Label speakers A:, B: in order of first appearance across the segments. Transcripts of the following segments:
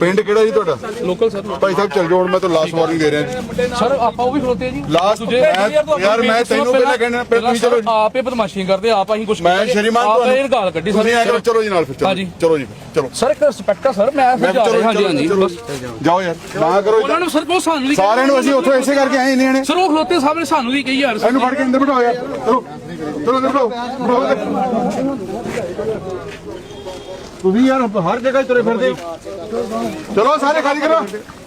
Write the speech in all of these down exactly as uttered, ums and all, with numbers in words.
A: ਪਿੰਡ ਕਿਹੜਾ ਜੀ ਤੁਹਾਡਾ?
B: Local sir.
A: ਭਾਈ ਸਾਹਿਬ ਚੱਲ ਜਾਓ, ਹੁਣ ਮੈਂ ਤਾਂ ਲਾਸਟ ਵਾਰਨਿੰਗ ਦੇ ਰਿਹਾ ਜੀ
B: ਸਰ। ਆਪਾਂ ਉਹ ਵੀ ਖਲੋਤੇ ਜੀ
A: ਲਾਸਟ। ਯਾਰ ਮੈਂ ਤੈਨੂੰ ਪਹਿਲਾਂ ਕਹਿਣਾ, ਪਹਿਲਾਂ ਤੁਸੀਂ ਚਲੋ।
B: ਆਪ ਹੀ ਬਦਮਾਸ਼ੀ ਕਰਦੇ, ਆਪ ਅਸੀਂ ਕੁਝ
A: ਮੈਂ ਸ਼੍ਰੀਮਾਨ
B: ਤੁਹਾਨੂੰ ਇਹ ਗਾਲ ਕੱਢੀ ਸਰ।
A: ਤੁਸੀਂ ਐਂ ਕਰੋ, ਚਲੋ ਜੀ ਨਾਲ ਫਿਰ।
B: ਹਾਂਜੀ
A: ਚਲੋ ਜੀ ਚਲੋ।
B: ਸਰ ਇੱਕ ਰਿਸਪੈਕਟ ਆ ਸਰ, ਮੈਂ ਫਿਰ ਜਾ ਰਿਹਾ। ਹਾਂਜੀ ਹਾਂਜੀ ਬਸ
A: ਜਾਓ ਯਾਰ, ਨਾ ਕਰੋ
B: ਉਹਨਾਂ ਨੂੰ ਸਰ ਬਹੁਤ ਸਾਨੂੰ ਵੀ
A: ਸਾਰਿਆਂ ਨੂੰ। ਅਸੀਂ ਉੱਥੋਂ ਇਸੇ ਕਰਕੇ ਆਏ ਇੰਨੇ ਨੇ
B: ਸਰ। ਉਹ ਖਲੋਤੇ ਸਾਹਮਣੇ ਸਾਨੂੰ ਵੀ ਕਹੀ ਯਾਰ
A: ਇਹਨੂੰ ਫੜ ਕੇ ਅੰਦਰ ਬਿਠਾਓ ਯਾਰ। ਚਲੋ ਚਲੋ ਅੰਦਰ ਬਿਠਾਓ। ਤੁਸੀਂ ਯਾਰ ਹਰ ਜਗ੍ਹਾ ਤੁਰੇ ਫਿਰਦੇ ਹੋ। ਚਲੋ ਸਾਰੇ ਖਾਲੀ ਕਰੋ।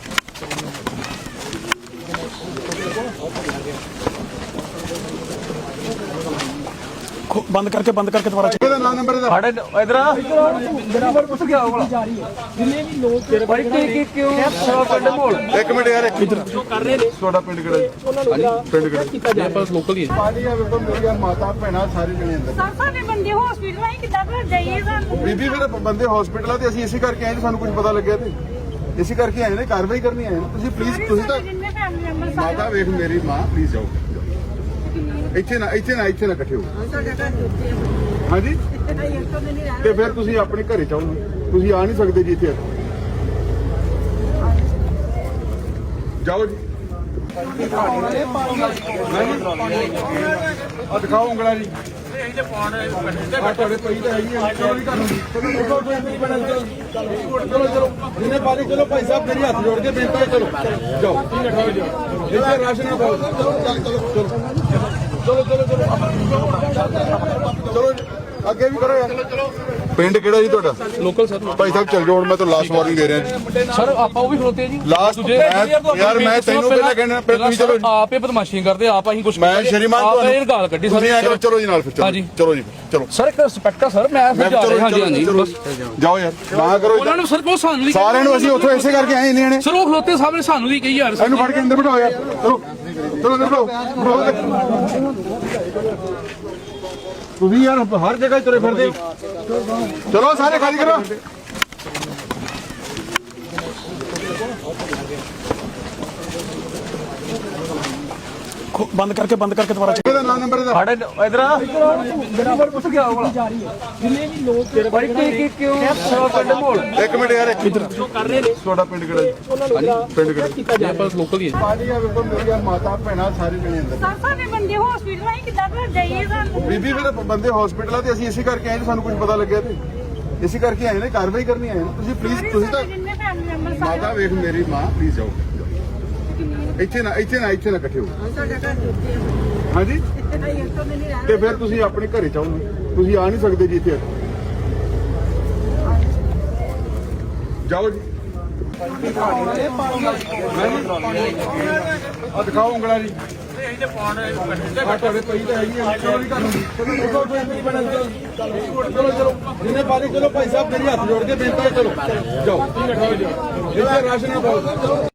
C: ਬੰਦ ਕਰਕੇ ਬੰਦ ਕਰਕੇ ਦੁਬਾਰਾ
A: ਇਹਦਾ ਨਾਮ ਨੰਬਰ ਇਹਦਾ
B: ਸਾਡੇ ਇਧਰ ਆ ਨੰਬਰ ਪੁੱਛ ਗਿਆ ਉਹ ਜਿੰਨੇ ਵੀ ਲੋਕ ਬਾਈ ਕਿ ਕਿਉਂ ਸਵਾ ਕੱਢ ਮੋਲ।
A: ਇੱਕ ਮਿੰਟ ਯਾਰ, ਇੱਧਰ ਕਰ ਰਹੇ ਨੇ। ਤੁਹਾਡਾ ਪਿੰਡ ਕਿਹੜਾ ਜੀ? ਪਿੰਡ ਕਿਹੜਾ?
B: ਆਪਾਂ ਲੋਕਲ ਹੀ
A: ਪਾਜੀ ਆ ਵੇਖੋ, ਮੇਰੀਆਂ ਮਾਤਾ ਭੈਣਾਂ ਸਾਰੇ ਜਣੇ ਅੰਦਰ।
D: ਸਰ ਸਾਡੇ ਬੰਦੇ ਹਸਪੀਟਲ ਆਏ ਕਿੱਦਾਂ ਘਰ ਜਾਈਏ ਸਾਨੂੰ?
A: ਬੀਬੀ ਫਿਰ ਬੰਦੇ ਹਸਪੀਟਲਾਂ ਤੇ ਅਸੀਂ ਇਸੇ ਕਰਕੇ ਆਏ, ਸਾਨੂੰ ਕੁਝ ਪਤਾ ਲੱਗਿਆ ਤੇ ਇਸੇ ਕਰਕੇ ਆਏ ਨੇ, ਕਾਰਵਾਈ ਕਰਨੀ ਆਏ ਨੇ। ਤੁਸੀਂ ਪਲੀਜ਼, ਤੁਸੀਂ ਤਾਂ
D: ਜਿੰਨੇ ਫੈਮਿਲੀ ਮੈਂਬਰ
A: ਮਾਤਾ ਵੇਖ ਮੇਰੀ ਮਾਂ, ਪਲੀਜ਼ ਜਾਓ। ਇੱਥੇ ਨਾ ਇੱਥੇ ਨਾ ਇੱਥੇ ਨਾ ਇਕੱਠੇ ਹੋ। ਹਾਂਜੀ ਤੇ ਫਿਰ ਤੁਸੀਂ ਆਪਣੇ ਘਰੇ ਚਾਹੋ, ਤੁਸੀਂ ਆ ਨਹੀਂ ਸਕਦੇ ਜੀ ਇੱਥੇ। ਜਾਓ ਜੀ। ਆ ਦਿਖਾਓ ਉਂਗਲਾਂ ਜੀ। ਆ ਤੁਹਾਡੇ ਪਈ ਤਾਂ ਹੈਗੀ ਆ। ਚਲੋ ਜੀ ਘਰ ਚਲੋ ਚਲੋ ਜਿੰਨੇ ਪਾਣੀ। ਚਲੋ ਭਾਈ ਸਾਹਿਬ ਮੇਰੀ ਹੱਥ ਜੋੜ ਕੇ ਬੇਨਤੀ ਹੈ, ਚਲੋ ਜਾਓ। ਤੁਸੀਂ ਖਾਓ ਜੀ ਇੱਥੇ ਰਾਸ਼ਨ ਨਾ ਪਾਓ। ਚਲੋ ਚਲੋ ਚਲੋ ਚਲੋ ਅੱਗੇ ਵੀ ਕਰੋ ਯਾਰ। ਪਿੰਡ ਕਿਹੜਾ ਜੀ ਤੁਹਾਡਾ?
B: Local sir.
A: ਭਾਈ ਸਾਹਿਬ ਚੱਲ ਜਾਓ, ਹੁਣ ਮੈਂ ਤਾਂ ਲਾਸਟ ਵਾਰਨਿੰਗ ਦੇ ਰਿਹਾ ਜੀ
B: ਸਰ। ਆਪਾਂ ਉਹ ਵੀ ਖਲੋਤੇ ਜੀ
A: ਲਾਸਟ। ਯਾਰ ਮੈਂ ਤੈਨੂੰ ਪਹਿਲਾਂ ਕਹਿਣਾ, ਪਹਿਲਾਂ ਤੁਸੀਂ ਚਲੋ।
B: ਆਪ ਹੀ ਬਦਮਾਸ਼ੀ ਕਰਦੇ, ਆਪ ਅਸੀਂ ਕੁਝ
A: ਮੈਂ ਸ਼੍ਰੀਮਾਨ
B: ਆਪ ਇਹ ਗਾਲ ਕੱਢੀ ਸਰ।
A: ਤੁਸੀਂ ਐਂ ਕਰੋ, ਚਲੋ ਜੀ ਨਾਲ ਫਿਰ।
B: ਹਾਂਜੀ
A: ਚਲੋ ਜੀ ਚਲੋ।
B: ਸਰ ਇੱਕ ਰਿਸਪੈਕਟ ਆ ਸਰ, ਮੈਂ ਫਿਰ ਜਾ ਰਿਹਾ। ਹਾਂਜੀ ਹਾਂਜੀ ਬਸ
A: ਜਾਓ ਯਾਰ, ਨਾ ਕਰੋ।
B: ਉਹਨਾਂ ਨੂੰ ਸਰ ਬਹੁਤ ਸਾਨੂੰ ਵੀ
A: ਸਾਰਿਆਂ ਨੂੰ। ਅਸੀਂ ਉੱਥੋਂ ਇਸੇ ਕਰਕੇ ਆਏ ਇੰਨੇ ਨੇ।
B: ਸਰ। ਉਹ ਖਲੋਤੇ ਸਾਹਮਣੇ ਸਾਨੂੰ ਵੀ ਕਹੀ ਯਾਰ
A: ਇਹਨੂੰ ਫੜ ਕੇ ਅੰਦਰ ਬਿਠਾਓ ਯਾਰ। ਚਲੋ ਚਲੋ ਅੰਦਰ ਬਿਠਾਓ। ਤੁਸੀਂ ਯਾਰ ਹਰ ਜਗ੍ਹਾ ਤੁਰੇ ਫਿਰਦੇ ਹੋ। ਚਲੋ ਸਾਰੇ ਖਾਲੀ ਕਰੋ।
C: ਬੰਦ ਕਰਕੇ ਬੰਦ ਕਰਕੇ ਦੁਬਾਰਾ
A: ਇਹਦਾ ਨਾਮ ਨੰਬਰ ਇਹਦਾ
B: ਸਾਡੇ ਇਧਰ ਆ ਨੰਬਰ ਪੁੱਛ ਗਿਆ ਉਹ ਜਿੰਨੇ ਵੀ ਲੋਕ ਬਾਈ ਕਿ ਕਿਉਂ ਸਵਾ ਕੱਢ ਮੋਲ।
A: ਇੱਕ ਮਿੰਟ ਯਾਰ, ਇੱਧਰ ਕਰ ਰਹੇ ਨੇ। ਤੁਹਾਡਾ ਪਿੰਡ ਕਿਹੜਾ ਜੀ? ਪਿੰਡ ਕਿਹੜਾ?
B: ਆਪਾਂ ਲੋਕਲ ਹੀ
A: ਪਾਜੀ ਆ ਵੇਖੋ, ਮੇਰੀਆਂ ਮਾਤਾ ਭੈਣਾਂ ਸਾਰੇ ਜਣੇ ਅੰਦਰ।
D: ਸਰ ਸਾਡੇ ਬੰਦੇ ਹਸਪੀਟਲ ਆਏ ਕਿੱਦਾਂ ਘਰ ਜਾਈਏ ਸਾਨੂੰ?
A: ਬੀਬੀ ਫਿਰ ਬੰਦੇ ਹਸਪੀਟਲਾਂ ਤੇ ਅਸੀਂ ਇਸੇ ਕਰਕੇ ਆਏ, ਸਾਨੂੰ ਕੁਝ ਪਤਾ ਲੱਗਿਆ ਤੇ ਇਸੇ ਕਰਕੇ ਆਏ ਨੇ, ਕਾਰਵਾਈ ਕਰਨੀ ਆਏ ਨੇ। ਤੁਸੀਂ ਪਲੀਜ਼, ਤੁਸੀਂ ਤਾਂ
D: ਜਿੰਨੇ ਫੈਮਿਲੀ ਮੈਂਬਰ
A: ਮਾਤਾ ਵੇਖ ਮੇਰੀ ਮਾਂ, ਪਲੀਜ਼ ਜਾਓ। ਇੱਥੇ ਨਾ ਇੱਥੇ ਨਾ ਇੱਥੇ ਨਾ ਇਕੱਠੇ ਹੋ। ਹਾਂਜੀ ਤੇ ਫਿਰ ਤੁਸੀਂ ਆਪਣੇ ਘਰੇ ਚਾਹੋ, ਤੁਸੀਂ ਆ ਨਹੀਂ ਸਕਦੇ ਜੀ ਇੱਥੇ। ਜਾਓ ਜੀ। ਆ ਦਿਖਾਓ ਉਂਗਲਾਂ ਜੀ। ਆ ਤੁਹਾਡੇ ਪਈ ਤਾਂ ਹੈਗੀ ਆ। ਚਲੋ ਜੀ ਘਰ ਚਲੋ ਚਲੋ ਜਿੰਨੇ ਪਾਣੀ। ਚਲੋ ਭਾਈ ਸਾਹਿਬ ਮੇਰੀ ਹੱਥ ਜੋੜ ਕੇ ਬੇਨਤੀ ਹੈ, ਚਲੋ ਜਾਓ। ਤੁਸੀਂ ਖਾਓ ਜੀ ਇੱਥੇ ਰਾਸ਼ਨ ਨਾ ਪਾਓ।